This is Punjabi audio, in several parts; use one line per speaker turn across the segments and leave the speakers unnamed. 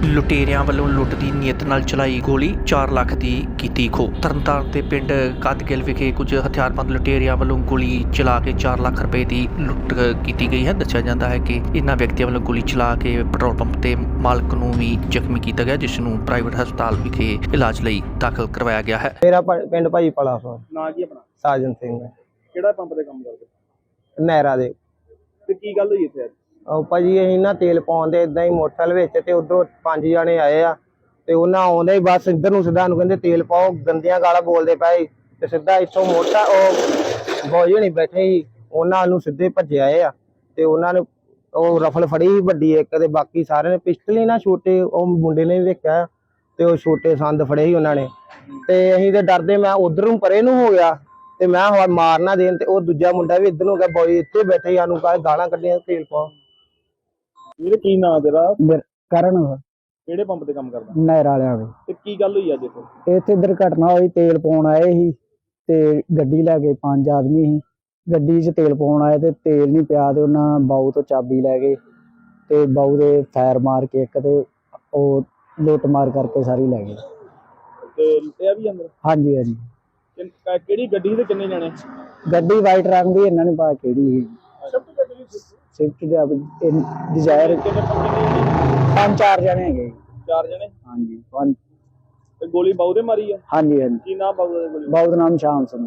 ਲੁਟੇਰਿਆਂ ਵੱਲੋਂ ਲੁੱਟ ਦੀ ਨੀਅਤ ਨਾਲ ਚਲਾਈ ਗੋਲੀ 4 ਲੱਖ ਦੀ ਕੀਤੀ ਖੋਹ। ਤਰਨਤਾਰਨ ਦੇ ਪਿੰਡ ਕਾਦਗਿਲ ਵਿਖੇ ਕੁਝ ਹਥਿਆਰਬੰਦ ਲੁਟੇਰਿਆਂ ਵੱਲੋਂ ਗੋਲੀ ਚਲਾ ਕੇ 4 ਲੱਖ ਰੁਪਏ ਦੀ ਲੁੱਟ ਕੀਤੀ ਗਈ ਹੈ। ਦੱਸਿਆ ਜਾਂਦਾ ਹੈ ਕਿ ਇਹਨਾਂ ਵਿਅਕਤੀਆਂ ਵੱਲੋਂ ਗੋਲੀ ਚਲਾ ਕੇ ਪੈਟਰੋਲ ਪੰਪ ਦੇ ਮਾਲਕ ਨੂੰ ਵੀ ਜ਼ਖਮੀ ਕੀਤਾ ਗਿਆ, ਜਿਸ ਨੂੰ ਪ੍ਰਾਈਵੇਟ ਹਸਪਤਾਲ ਵਿਖੇ ਇਲਾਜ ਲਈ ਦਾਖਲ ਕਰਵਾਇਆ ਗਿਆ ਹੈ।
ਮੇਰਾ ਪਿੰਡ ਭਾਈ ਪਲਾ
ਨਾਂ ਕੀ ਆਪਣਾ?
ਸਾਜਨ ਸਿੰਘ
ਕਿਹੜਾ ਪੰਪ ਤੇ ਕੰਮ ਕਰਦੇ?
ਨਹਿਰਾ ਦੇ।
ਤੇ ਕੀ ਗੱਲ ਹੋਈ ਇੱਥੇ ਅੱਜ?
ਉਹ ਭਾਜੀ ਅਸੀਂ ਨਾ ਤੇਲ ਪਾਉਣ ਦੇ ਇਦਾਂ ਹੀ ਮੋਟਰਸਾਈਕਲ ਵਿੱਚ ਤੇ ਉਧਰੋਂ 5 ਜਣੇ ਆਏ ਆ ਤੇ ਉਹਨਾਂ ਆਉਂਦੇ ਹੀ ਬਸ ਇੱਧਰ ਨੂੰ ਸਿੱਧਾ ਨੂੰ ਕਹਿੰਦੇ ਤੇਲ ਪਾਓ, ਗੰਦੀਆਂ ਗਾਲਾਂ ਬੋਲਦੇ ਪਏ ਤੇ ਸਿੱਧਾ ਇੱਥੋਂ ਮੋਟਾ ਉਹ ਬੋਝ ਨਹੀਂ ਬੈਠੇ ਸੀ, ਉਹਨਾਂ ਨੂੰ ਸਿੱਧੇ ਭੱਜੇ ਆਏ ਆ ਤੇ ਉਹਨਾਂ ਨੇ ਉਹ ਰਫਲ ਫੜੀ ਸੀ ਵੱਡੀ ਇੱਕ ਤੇ ਬਾਕੀ ਸਾਰਿਆਂ ਨੇ ਪਿਸਟਲ ਹੀ ਨਾ ਛੋਟੇ ਉਹ ਮੁੰਡੇ ਨੇ ਵੀ ਵੇਖਿਆ ਤੇ ਉਹ ਛੋਟੇ ਸੰਦ ਫੜੇ ਸੀ ਉਹਨਾਂ ਨੇ ਤੇ ਅਸੀਂ ਤੇ ਡਰਦੇ ਮੈਂ ਉਧਰ ਨੂੰ ਪਰੇ ਨੂੰ ਹੋ ਗਿਆ ਤੇ ਮੈਂ ਮਾਰ ਨਾ ਦੇਣ ਤੇ ਉਹ ਦੂਜਾ ਮੁੰਡਾ ਵੀ ਇੱਧਰ ਨੂੰ ਗਿਆ ਬੋਝ ਇੱਥੇ ਬੈਠੇ ਸਾਨੂੰ ਗਾਲਾਂ ਕੱਢੀਆਂ ਤੇਲ ਪਾਓ।
ਵੀਰੇ ਕੀ ਨਾਂ ਤੇਰਾ?
ਕਰਨ
ਕਿਹੜੇ ਪੰਪ ਤੇ ਕੰਮ ਕਰਦਾ?
ਨਹਿਰ ਵਾਲਿਆਂ ਦੇ।
ਤੇ ਕੀ ਗੱਲ ਹੋਈ ਅੱਜ ਇੱਥੇ?
ਇੱਥੇ ਦੁਰਘਟਨਾ ਹੋਈ, ਤੇਲ ਪਾਉਣ ਆਏ ਸੀ ਤੇ ਗੱਡੀ ਲੈ ਕੇ 5 ਆਦਮੀ ਸੀ, ਗੱਡੀ 'ਚ ਤੇਲ ਪਾਉਣ ਆਏ ਤੇ ਤੇਲ ਨਹੀਂ ਪਿਆ ਤੇ ਉਹਨਾਂ ਬਾਊ ਤੋਂ ਚਾਬੀ ਲੈ ਗਏ ਤੇ ਬਾਊ ਦੇ ਫਾਇਰ ਮਾਰ ਕੇ ਇੱਕ ਤੇ ਉਹ ਲੁੱਟ ਮਾਰ ਕਰਕੇ ਸਾਰੀ ਲੈ ਗਏ।
ਤੇ ਲੁੱਟਿਆ ਵੀ ਅੰਦਰ?
ਹਾਂਜੀ ਹਾਂਜੀ।
ਕਿਹੜੀ ਗੱਡੀ ਤੇ ਕਿੰਨੇ ਜਣੇ?
ਗੱਡੀ ਵਾਈਟ ਰੰਗ ਦੀ, ਇਹਨਾਂ ਨੇ ਪਾ ਕਿਹੜੀ ਸੀ ਸਵਿਫਟ ਡਿਜ਼ਾਇਰ।
ਕਿੰਨੇ
5-4 ਜਣੇ ਹੈਗੇ।
4 ਜਣੇ?
ਹਾਂਜੀ
ਤੇ ਗੋਲੀ ਬਾਊ ਦੇ ਮਾਰੀ ਆ?
ਹਾਂਜੀ ਹਾਂਜੀ।
ਕੀ ਨਾਮ ਬਾਊ ਦਾ?
ਬਾਊ ਦਾ ਨਾਮ ਸ਼ਾਮ ਸਿੰਘ।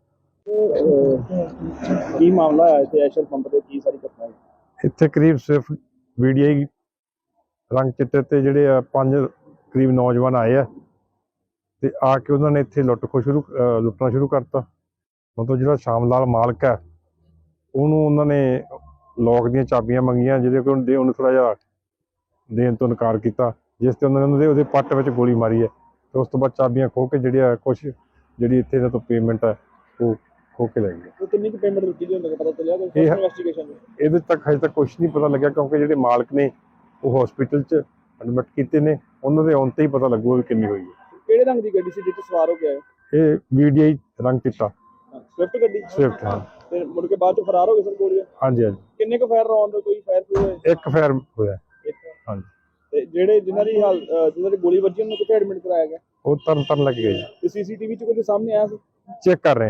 ਕੀ ਮਾਮਲਾ ਹੈ ਇੱਥੇ ਐਸ਼ਰ ਪੰਪ ਤੇ? ਕੀ ਸਾਰੀ ਘਟਨਾ ਹੈ
ਇੱਥੇ? ਕਰੀਬ ਸਿਰਫ ਵੀਡੀਆਈ ਰੰਗ ਚਿੱਟੇ ਤੇ ਜਿਹੜੇ ਆ 5 ਕਰੀਬ ਨੌਜਵਾਨ ਆਏ ਆ ਤੇ ਆ ਕੇ ਉਹਨਾਂ ਨੇ ਇੱਥੇ ਲੁੱਟਣਾ ਸ਼ੁਰੂ ਕਰਤਾ। ਮਤਲਬ ਜਿਹੜਾ ਸ਼ਾਮ ਲਾਲ ਮਾਲਕ ਹੈ ਉਹਨੂੰ ਉਹਨਾਂ ਨੇ ਲੋਕ ਦੀਆਂ ਚਾਬੀਆਂ ਮੰਗੀਆਂ, ਜਿਹਦੇ ਕੋਲ ਉਹਨੂੰ ਥੋੜਾ ਜਿਹਾ ਦੇਣ ਤੋਂ ਇਨਕਾਰ ਕੀਤਾ, ਜਿਸ ਤੇ ਉਹਨਾਂ ਨੇ ਉਹਦੇ ਪੱਟ ਵਿੱਚ ਗੋਲੀ ਮਾਰੀ ਹੈ ਤੇ ਉਸ ਤੋਂ ਬਾਅਦ ਚਾਬੀਆਂ ਖੋਹ ਕੇ ਜਿਹੜੀ ਇੱਥੇ ਇਹਨਾਂ ਤੋਂ ਪੇਮੈਂਟ ਹੈ ਉਹ ਖੋਹ ਕੇ ਲੈ ਗਏ।
ਕਿੰਨੀ ਕੁ ਪੇਮੈਂਟ ਦਿੱਤੀ ਗਈ ਹੁੰਦਾ ਪਤਾ ਚੱਲਿਆ? ਕੋਈ ਇਨਵੈਸਟੀਗੇਸ਼ਨ
ਇਹਦੇ ਤੱਕ ਹਜੇ ਤੱਕ ਕੁਝ ਨਹੀਂ ਪਤਾ ਲੱਗਿਆ, ਕਿਉਂਕਿ ਜਿਹੜੇ ਮਾਲਕ ਨੇ ਉਹ ਹਸਪੀਟਲ 'ਚ ਐਡਮਿਟ ਕੀਤੇ ਨੇ, ਉਹਨਾਂ ਦੇ ਆਉਣ ਤੇ ਹੀ ਪਤਾ ਲੱਗੂਗਾ ਵੀ ਕਿੰਨੀ ਹੋਈ ਹੈ।
ਕਿਹੜੇ ਰੰਗ ਦੀ ਗੱਡੀ ਸੀ ਜਿੱਥੇ ਸਵਾਰ ਹੋ ਕੇ ਆਏ?
ਇਹ ਵੀਡੀਆਈ ਰੰਗ ਚਿੱਟਾ
ਸਵਿਫਟ ਗੱਡੀ?
ਸਵਿਫਟ, ਹਾਂ।
ਤੇ ਮੁੜ ਕੇ ਬਾਅਦ ਚ ਫਰਾਰ ਹੋ ਗਏ ਸਰ ਗੋਲੀਆਂ?
ਹਾਂਜੀ ਹਾਂਜੀ।
ਕਿੰਨੇ ਕੁ ਫਾਇਰ ਰੌਂਡ ਕੋਈ ਫਾਇਰ ਹੋਇਆ?
ਇੱਕ ਫਾਇਰ ਹੋਇਆ। ਹਾਂਜੀ।
ਤੇ ਜਿਨ੍ਹਾਂ ਦੀ ਗੋਲੀ ਵੱਜੀ ਉਹਨੂੰ ਕਿੱਥੇ ਐਡਮਿਟ ਕਰਾਇਆ ਗਿਆ?
ਉਹ ਤਰਨ ਲੱਗ ਗਏ ਜੀ।
ਤੇ ਸੀਸੀਟੀਵੀ ਚ ਕੁਝ ਸਾਹਮਣੇ ਆਇਆ ਸੀ?
ਚੈੱਕ ਕਰ ਰਹੇ ਹਾਂ।